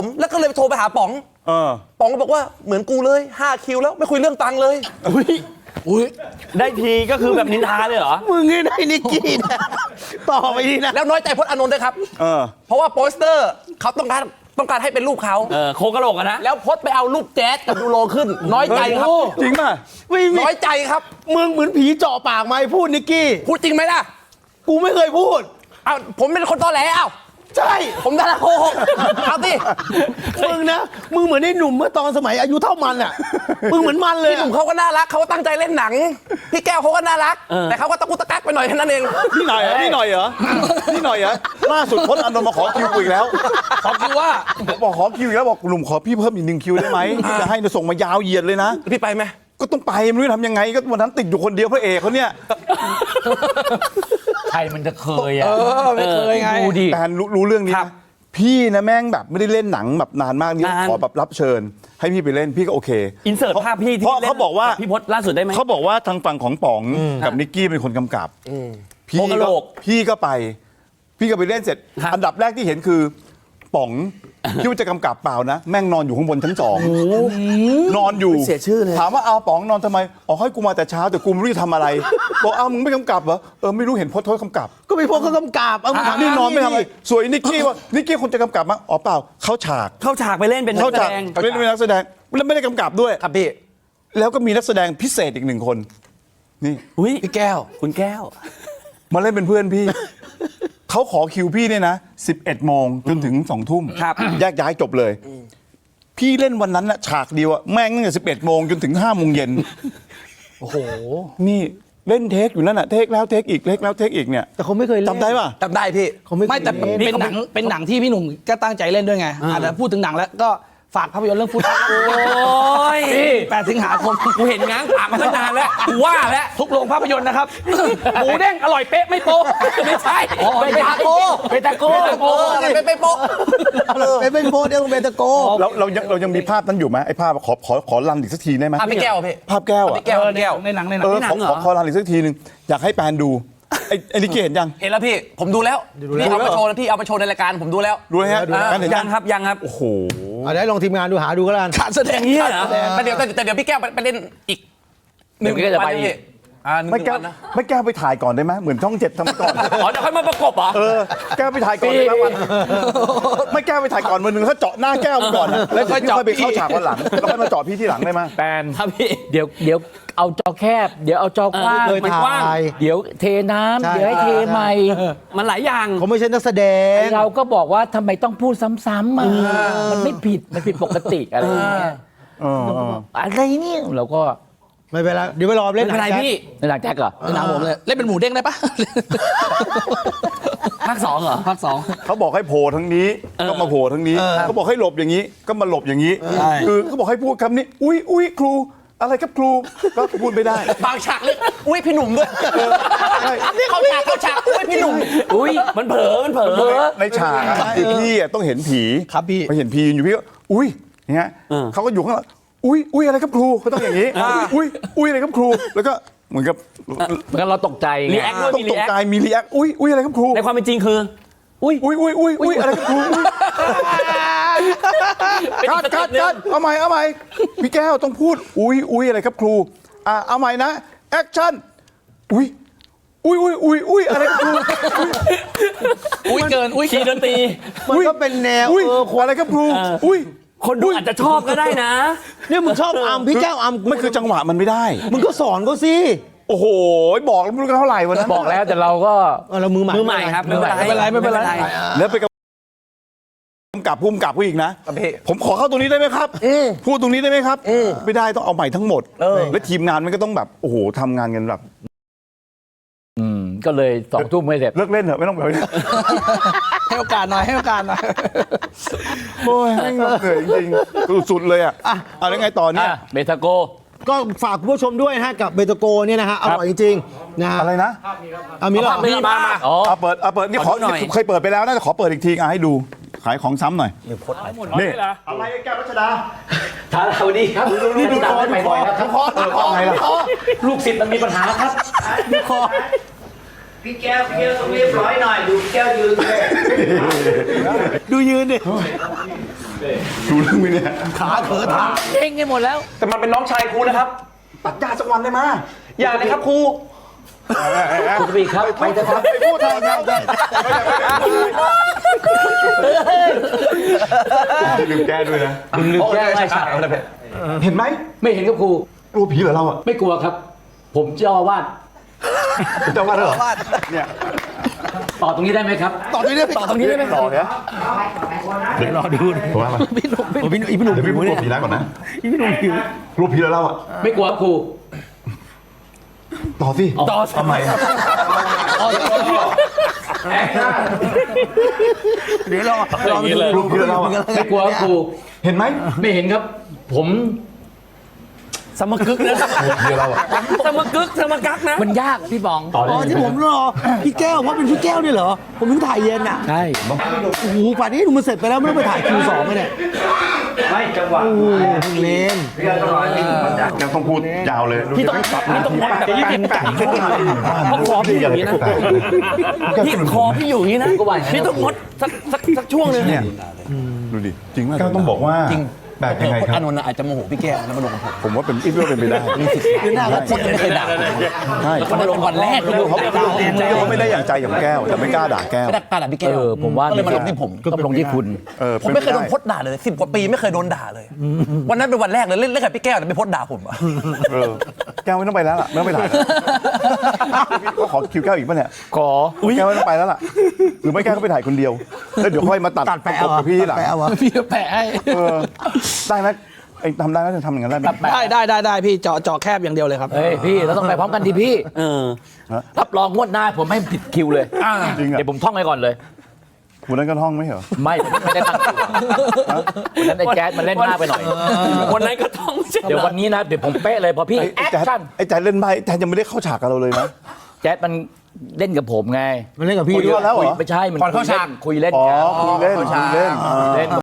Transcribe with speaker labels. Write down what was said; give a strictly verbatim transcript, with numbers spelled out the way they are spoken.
Speaker 1: แล้วก็เลยโทรไปหาป๋อง
Speaker 2: เออ
Speaker 1: ป๋องก็บอกว่าเหมือนกูเลยห้าคิวแล้วไม่คุยเรื่องตังค์เลย
Speaker 3: อุ้ยอุ้ย
Speaker 4: ได้ทีก็คือแบบนินทาเลยเหรอ
Speaker 3: มึงนี่ได้นิกกี้นะต่อไปดีนะ
Speaker 1: แล้วน้อยใจพจน์อานนท์ด้วยครับ
Speaker 2: เออ
Speaker 1: เพราะว่าโปสเตอร์เขาต้องการต้องการให้เป็นรูปเขา
Speaker 4: เออโคกระโหลกอะนะ
Speaker 1: แล้วพจน์ไปเอารูปแจ๊สกับดูโลขึ้น น้อยใจครับ
Speaker 2: จริงป่ะ
Speaker 3: ไม่มี
Speaker 1: น้อยใจครับ
Speaker 3: มึงเหมือนผีเจาะปากไม่พูดนิกกี้
Speaker 1: พูดจริงไหมล่ะ
Speaker 3: กูไม่เคยพูด
Speaker 1: อ้าวผมเป็นคนตอแหลอ้าว
Speaker 3: ใช่
Speaker 1: ผมดาราโกหกเอาสิ
Speaker 3: มึงนะมึงเหมือนไอ้หนุ่มเมื่อตอนสมัยอายุเท่ามันอ่ะมึงเหมือนมันเลย
Speaker 1: พี่หนุ่มเขาก็น่ารักเขาตั้งใจเล่นหนังพี่แก้วเขาก็น่ารักแต่เขาก็ตะกุกตะกักไปหน่อยแค่นั้นเอง
Speaker 2: นี่หน่อยนี่หน่อยเหรอนี่หน่อยเหรอล่าสุดพจน์อานนท์มาขอคิวอีกแล้ว
Speaker 1: ขอคิวว่า
Speaker 2: บอกขอคิวอีกแล้วบอกหนุ่มขอพี่เพิ่มอีกหนึ่งคิวได้ไหมจะให้ส่งมายาวเหยียดเลยนะ
Speaker 1: พี่ไปไหม
Speaker 2: ก็ต้องไปไม่รู้ทำยังไงก็วันนั้นติดอยู่คนเดียวพระเอกเขาเนี่ย
Speaker 4: ใครมันจะเคยอ่ะ
Speaker 1: ไม่เคยไง
Speaker 4: ดูดิ
Speaker 2: แต่รู้รู้เรื่องนี้พี่นะแม่งแบบไม่ได้เล่นหนังแบบนานมากนี่ขอแบบรับเชิญให้พี่ไปเล่นพี่ก็โอเค
Speaker 4: อินเสิร์ตภาพพี่ที่
Speaker 2: เพราะเขาบอกว่า
Speaker 4: พี่พจน์ล่าสุดได้ไหม
Speaker 2: เขาบอกว่าทางฝั่งของป๋องกับนิกกี้เป็นคนกำกับพี่ก็พี่ก็ไปพี่ก็ไปเล่นเสร็จอันดับแรกที่เห็นคือป๋องที่ว่าจะกำกับเปล่านะแม่งนอนอยู่ข้างบนชั้นสองนอนอยู่
Speaker 1: เสียชื่อเลย
Speaker 2: ถามว่าเอาป๋องนอนทำไมอ๋อให้กูมาแต่เช้าแต่กูไม่รู้จะทำอะไรบอกอ้าวมึงไม่กำกับเหรอเออไม่รู้เห็นพจน์เขากำกับ
Speaker 3: ก็มีพวกเขากำกับเอาถาม
Speaker 2: นี่นอนไม่ทำอะไรสวยนิกกี้ว่านิกกี้คนจะกำกับมั้งอ๋อเปล่าเข้าฉาก
Speaker 4: เข้าฉากไปเล่นเป็นนักแสดง
Speaker 2: เล่นเป็นนักแสดงแล้วไม่ได้กำกับด้วย
Speaker 1: ครับพี่
Speaker 2: แล้วก็มีนักแสดงพิเศษอีกหนึ่งคนนี่
Speaker 1: พี่แก้ว
Speaker 4: คุณแก้ว
Speaker 2: มาเล่นเป็นเพื่อนพี่เขาขอคิวพี่เนี่ยนะสิบเอ็ดโมงจนถึงสองทุ่มแยกย้ายจบเลยพี่เล่นวันนั้นนะฉากเดียวอะแม่งตั้งแต่สิบเอ็ดโมงจนถึงห้าโมงเย็น
Speaker 3: โอ้โห
Speaker 2: นี่เล่นเทคอยู่นั่นอะเทคแล้วเทคอีกเทคแล้วเทคอีกเนี่ย
Speaker 3: แต่เขาไม่เคยเล่น
Speaker 2: จำได้ป่ะ
Speaker 1: จำได้พี่
Speaker 3: เขาไม่
Speaker 5: ไม่แต่เป็นหนังเป็นหนังที่พี่หนุ่มก็ตั้งใจเล่นด้วยไงอาจจะพูดถึงหนังแล้วก็ฝากภาพยนตร์เรื่องฟุต
Speaker 4: โอ้ย
Speaker 5: แปดสิงหาคม
Speaker 4: กูเห็นง้างปากมาตั้งนานแล้วกูว่าแล้ว
Speaker 5: ทุกโรงภาพยนตร์นะครับหมูเด้งอร่อยเป๊ะไม่โป๊ะ
Speaker 4: ไม่ใช่
Speaker 1: เบตาโก
Speaker 4: เบตาโก
Speaker 1: เบตาโกเป็นไปโป๊ะ
Speaker 3: เป็นเป็นโป๊ะเดี๋ยวเบตาโก
Speaker 2: เราเรายังเรายังมีภาพนั้นอยู่ไหมไอ้ภาพขอขอขอรันอีกสักทีได้ไหม
Speaker 1: ภาพพี่แก้วพี่
Speaker 2: ภาพแก้วอะ
Speaker 1: แก้วแก้ว
Speaker 5: ในหนังในหนัง
Speaker 2: เออขอขอขอรันอีกสักทีนึงอยากให้แปนดูไอ้ไอ้นิกกี้เห็นยัง
Speaker 1: เห็นแล้วพี่ผมดูแล้วพี่เอามาโชว์พี่เอามาโชว์ในรายการผมดูแล้ว
Speaker 2: ดูฮะ
Speaker 4: ยังครับยังครับ
Speaker 2: โอ้โห
Speaker 3: ได้ลองทีมงานดูหาดูก็แล้วกัน
Speaker 5: ขาดแสดง
Speaker 4: เนี่ยเหรอ
Speaker 1: แต่เดี๋ยวแต่เดี๋ยวพี่แก้วไปเล่นอีก
Speaker 4: หนึ่งก็จะไป
Speaker 2: ไม่แก้ไม่แก้ไปถ่ายก่อนได้ไหมเหมือนช่องเจ็ดทำก่อน
Speaker 4: อ๋อเดี๋ยวค่อยมาประกบเหรอ
Speaker 2: เออแก้ไปถ่ายก่อนได้ไหมวันไม่แก้ไปถ่ายก่อนวันหนึ่งเขาเจาะหน้าแก้วก่อนแล้วค่อยเจาะไปเข้าฉากวันหลังแล้วค่อยมาเจาะพี่ที่หลังได้ไหม
Speaker 4: แปนครับพี่เดี๋ยวเดี๋ยวเอาจอแคบเดี๋ยวเอาจอกว้างมันกว้างเดี๋ยวเทน้ำเดี๋ยวให้เทใหม่มันหลายอย่าง
Speaker 3: เขาไม่ใช่นักแสดง
Speaker 4: เราก็บอกว่าทำไมต้องพูดซ้ำๆอ่ะมันไม่ผิดมันผิดปกติอะไรอย่างเงี้ยอะไรเนี่ยเราก็
Speaker 3: ไม่เป็นไรเดี๋ยวไปรอเล่น
Speaker 4: อะไรพี่ในหนังแจ็คเหรอ
Speaker 5: ในหนังผมเลยเล่นเป็นหมูเด้งได้ปะ
Speaker 4: ภาคสองเหรอ
Speaker 5: ภาคสอง
Speaker 2: เขาบอกให้โผล่ทั้งนี้ก็มาโผล่ทั้งนี้เขาบอกให้หลบอย่างนี้ก็มาหลบอย่างนี้คือเขาบอกให้พูดคำนี้อุ้ยอุ้ยครูอะไรครับครูก็พูดไม่ได้
Speaker 1: บางฉากเลยอุ้ยพี่หนุ่มด้วยนี่เขาฉากเขาฉากอุ้ยพี่หนุ่ม
Speaker 4: อุ้ยมันเผลอมันเผลอ
Speaker 2: ในฉากคือพี่ต้องเห็นผี
Speaker 3: ครับพี่
Speaker 2: ไปเห็นผีอยู่พี่ก็อุ้ยอย่างเงี้ยเขาก็อยู่ข้างหลังอุ้ยอุ้ยอะไรครับครูเขาต้องอย่างนี้อุ้ยอุ้ยอะไรครับครูแล้วก็เหมือนกับ
Speaker 4: เหมือนเราตกใจ
Speaker 2: รีแอคด้วยต้องตกใจมีรีแอคอุ้ยอุ้ยอะไรครับครู
Speaker 4: ในความเป็นจริงคือ
Speaker 2: อุ้ยอุ้ยอุ้ยอุ้ยอุ้ยอะไรครับครูคัดคัดคัดเอาใหม่เอาใหม่พี่แก้วต้องพูดอุ้ยอุ้ยอะไรครับครูอ่าเอาใหม่นะแอคชั่นอุ้ยอุ้ยอุ้ยอุ้ยอุ้ยอะไรครับครู
Speaker 5: อุ้ยเกินอุ้ย
Speaker 4: คีย์ดนตรี
Speaker 3: มันก็เป็นแนว
Speaker 2: เอออะไรครับครูอุ้ย
Speaker 4: คนดูอาจจะชอบก็ได้นะ
Speaker 3: เนี่ยมึงชอบอัมพี่แก้วอัม
Speaker 2: ไม่คือจังหวะมันไม่ได้
Speaker 3: มึงก็สอนก็สิ
Speaker 2: โอ้โหบอกแล้วไม่รู้เท่าไหร่วันนั้น
Speaker 4: บอกแล้วแต่เราก็
Speaker 3: เรามือใหม่
Speaker 4: มือใหม่ครับ
Speaker 5: ไม่เป็นไรไม่เป็นไร
Speaker 2: แล้วไปกำกับพุ่มกับผู้อีกนะผมขอเข้าตรงนี้ได้ไหมครับพูดตรงนี้ได้ไหมครับไม่ได้ต้องเอาใหม่ทั้งหมดแล้วทีมงานมันก็ต้องแบบโอ้โหทำงานกันแบบ
Speaker 4: อืมก็เลยสองทุ่มไม่เสร็จ
Speaker 2: เลิกเล่นเถอะไม่ต้องแบบนี้
Speaker 5: ให้โอกาสหน่อยให้โอกาสหน่อย
Speaker 2: โอ้ยไม่เหนื่อยจริงๆสุดๆเลยอ่ะอ่ะแล้วไงต่อเนี่ย
Speaker 4: เบตาโก
Speaker 3: ก็ฝากคุณผู้ชมด้วยนะฮะกับเบตาโกเนี่ยนะฮะอร่อยจริงๆนะ
Speaker 2: อะไรนะ
Speaker 3: เอามีแล้ว
Speaker 4: มีมา
Speaker 2: เอาเปิดเอาเปิดนี่ขอเคยเปิดไปแล้วน่าจะขอเปิดอีกทีอ่ะให้ดูขายของซ้ำหน่อยนี่อะไรแก้วรัชดา
Speaker 4: ท้าเราดีครับ
Speaker 2: ดูดูคอดูคอดูคอดูคอไงล่ะ
Speaker 4: ลูกศิษย์มันมีปัญหาครับ
Speaker 3: ดูคอ
Speaker 6: พี่แก้วพี่แก้วต้องเรียบร้อยหน่อยดูแก้วยืนเลย
Speaker 3: ดูยืนดิ
Speaker 2: ดูเรื่องไหมเนี่ย
Speaker 3: ขาเขอทาง
Speaker 4: เก่งกันหมดแล้ว
Speaker 1: แต่มันเป็นน้องชายครูนะครับ
Speaker 2: ตัดหญ้าสักวันได้ไหม
Speaker 1: อย่าเลยครับครู
Speaker 4: คุณกบีครับไปเถอะครับ
Speaker 2: ไปพูดทางเราได้ลืมแก้ด้วยนะ
Speaker 4: ลืมลืมแก้ไว้ครับ
Speaker 2: เห็นไหม
Speaker 4: ไม่เห็นครับครู
Speaker 2: กลัวผีเหรอเราอ่ะ
Speaker 4: ไม่กลัวครับ ผมเจ้าอาวาส
Speaker 2: เจ้าว่าเหรอเนี่ย
Speaker 4: ต่อตรงนี้ได้ไหมครับ
Speaker 3: ต่อตรงนี้ได้ไหมต่อตรงนี้ได้ไหม
Speaker 2: ต่อเนี่ย
Speaker 3: เดี๋ยวรอดู
Speaker 2: ผมว่ามา
Speaker 3: พี่หนุ่มพี่หนุ่มพี่หนุ่ม
Speaker 2: เดี๋ยวพี่
Speaker 3: หิว
Speaker 2: พูดกลั
Speaker 3: เนี่
Speaker 2: วย ผีร้ายก่อนนะ
Speaker 3: พี่หนุ่มหิว
Speaker 2: กลัวผีเหรอเราอ่ะ
Speaker 4: ไม่กลัวครับครู
Speaker 2: ต่อสิ
Speaker 4: ต่อ
Speaker 2: ทำไม
Speaker 3: เดี๋ยวรอรอไปดู
Speaker 2: กลัวผีเหรอเราอ่ะ
Speaker 4: ไม่กลัวครับครู
Speaker 2: เห็นไหม
Speaker 4: ไม่เห็นครับ ผม
Speaker 5: สมกึกนะ
Speaker 2: กลัวผีเหรอเราอ่ะ
Speaker 5: สมกึกสมกักนะ
Speaker 4: มันยากพี่บองต่อ
Speaker 3: อ๋อที่ผมรอพี่แก้วเพราะเป็นพี่แก้วนี่เหรอผมเพิ่งถ่ายเย็นอ่ะ
Speaker 4: ใช่
Speaker 3: โอ้โหป่านนี้หนูมันเสร็จไปแล้วไม่ต้องไปถ่ายคิวสองเลยเนี่ย
Speaker 6: ไม่จังหวะ
Speaker 3: โอ้โหเพิ่งเล่น
Speaker 6: พี่แก้วต้องรอให้พี่หนุ่มมันดัก
Speaker 2: ยังต้องพูดยาวเลย
Speaker 5: พี่ต้องพี่ต้องงดแบบยี่สิบแปดชั่วโมงเพราะคอพี่อยู่อย่างนี้นะพี่คอพี่อยู่อย่างนี้นะพี่ต้องงดสักสักสักช่วงหนึง
Speaker 2: เนี่ยดูดิจริงมากก็ต้องบอกว่าแปลกยังไงครับ
Speaker 5: อานนท์อาจจะโมโหพี่แก้วแล้วมาลงกับผม
Speaker 2: ผมว่าเป็นอีกเรื่องเป็นไปได้
Speaker 3: คือหน้าก็
Speaker 5: คนยังไม่เคยด่า
Speaker 2: ใช่
Speaker 5: เขามาลงวันแรกเลย
Speaker 2: เขาเขาไม่ได้อย่างใจกับแก้วแต่ไม่กล้าด่าแก้ว
Speaker 5: ไม่ได้กล้าด่าพี่แก้
Speaker 4: เอ
Speaker 5: ว
Speaker 4: อผมว่า
Speaker 5: ก็เลยมาลงที่ผม
Speaker 4: ต้องลงที่คุณ
Speaker 2: เออ
Speaker 1: ผมไม่เคยโดนพดด่าเลยสิบกว่าปีไม่เคยโดนด่าเลย วันนั้นเป็นวันแรกเลยเล่นเล่นกับพี่แก้วแต่ไม่พดด่าผมอะ
Speaker 2: เออแก้วไม่ต้องไปแล้วล่ะไม่ต้องไปถ่ายแล้วก็ขอคิวแก้วอีกป่ะเนี่ย
Speaker 4: ขอ
Speaker 2: แก้วไม่ต้องไปแล้วล่ะหรือไม่แก้วก็ไปถ่ายคนเดียวแล้วเดี๋ยวค่อยมาตัด
Speaker 3: ตัดแปะ
Speaker 2: ประกบ
Speaker 3: เอา
Speaker 2: กับพี่ทีหลัง
Speaker 3: แปะเอาวะ
Speaker 5: พี่แปะให้
Speaker 2: เออได้ไหมไอ้ทำได้ไหมจะทำอย่างนั้นได้ไหม
Speaker 5: ได้ได้ได้ได้พี่เจาะเจาะแคบอย่างเดียวเลยครับ
Speaker 4: เฮ้ยพี่เราต้องไปพร้อมกันดิพี่รับรองงวดหน้าผมไม่ผิดคิวเลย
Speaker 2: จริงอ่ะ
Speaker 4: เดี๋ยวผมท่องไว้ก่อนเลย
Speaker 2: คุณนั้นก็ท่องไม่เหรอ
Speaker 4: ไม่ไม่ได้ตั้งตัววันนั้นไอ้แจ๊ดมันเล่นมากไปหน่อย
Speaker 5: วันนั้นก็ต้อง
Speaker 4: เดี๋ยววันนี้นะเดี๋ยวผมเป๊ะเลยพอพี่
Speaker 2: ไอ้
Speaker 4: แอ
Speaker 2: ไอ้
Speaker 4: ค
Speaker 2: แจ๊ด
Speaker 4: ชั่น
Speaker 2: ไอ้แจ๊ดเล่นไพ่ไอ้แจ๊ดยังไม่ได้เข้าฉากกับเราเลยนะ
Speaker 4: แจ๊ดมันเล่นกับผมไง
Speaker 3: มันเล่นกับพี่
Speaker 2: คุย
Speaker 3: ด้
Speaker 2: ด้
Speaker 3: ว
Speaker 2: วย ยแล้วเหรอ
Speaker 4: ไม่ใช่มัน
Speaker 1: ก่อนเข้าฉาก
Speaker 4: คุยเล่น
Speaker 2: อ๋อ
Speaker 4: คุยเล่น
Speaker 2: คุยเล่นคุยเล่น
Speaker 4: เล่น